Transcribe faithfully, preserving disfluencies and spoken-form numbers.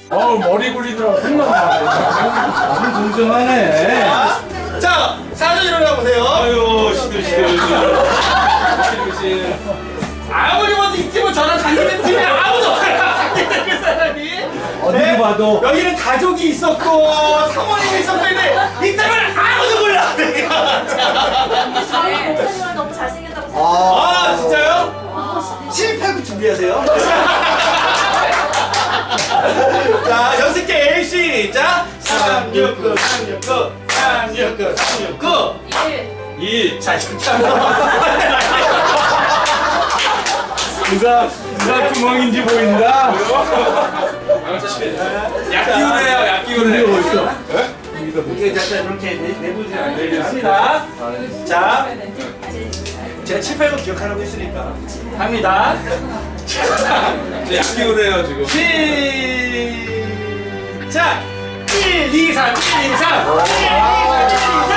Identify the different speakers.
Speaker 1: 어우 머리 굴리느라고 생각나.
Speaker 2: 너무 공정하네.
Speaker 3: 자, 사전 일어나 보세요.
Speaker 2: 아유 시들시들. 시들시들.
Speaker 3: 아무리 봐도 이 팀은 저랑 관계된 팀이 아무도 없어요. 관계된 그 사람이.
Speaker 2: 어디로 봐도.
Speaker 3: 여기는 가족이 있었고 사모님이 있었는데 이 팀은 아무도 몰라. 내가.
Speaker 4: 저희 목사님은 너무 잘생겼다고 생각해요.
Speaker 3: 아, 진짜요?
Speaker 4: 아,
Speaker 3: 칠팔구 준비하세요. 자, 연습 게임 시작. 삼육구, 삼육구, 삼육구, 삼육구.
Speaker 4: 일.
Speaker 3: 이. 자, 이렇게 하면.
Speaker 2: 누가 누가 구멍인지 보인다.
Speaker 1: 약 기운해요, 약 기운해.
Speaker 2: 어딨어?
Speaker 3: 이게 자, 이렇게 내부지 않습니다. 자, 제가 칠팔구 기억하라고 했으니까 합니다.
Speaker 1: 약 기운해요 지금.
Speaker 3: 시작! 일, 이, 삼, 일, 이, 삼, 일, 이, 삼, 일, 이, 삼.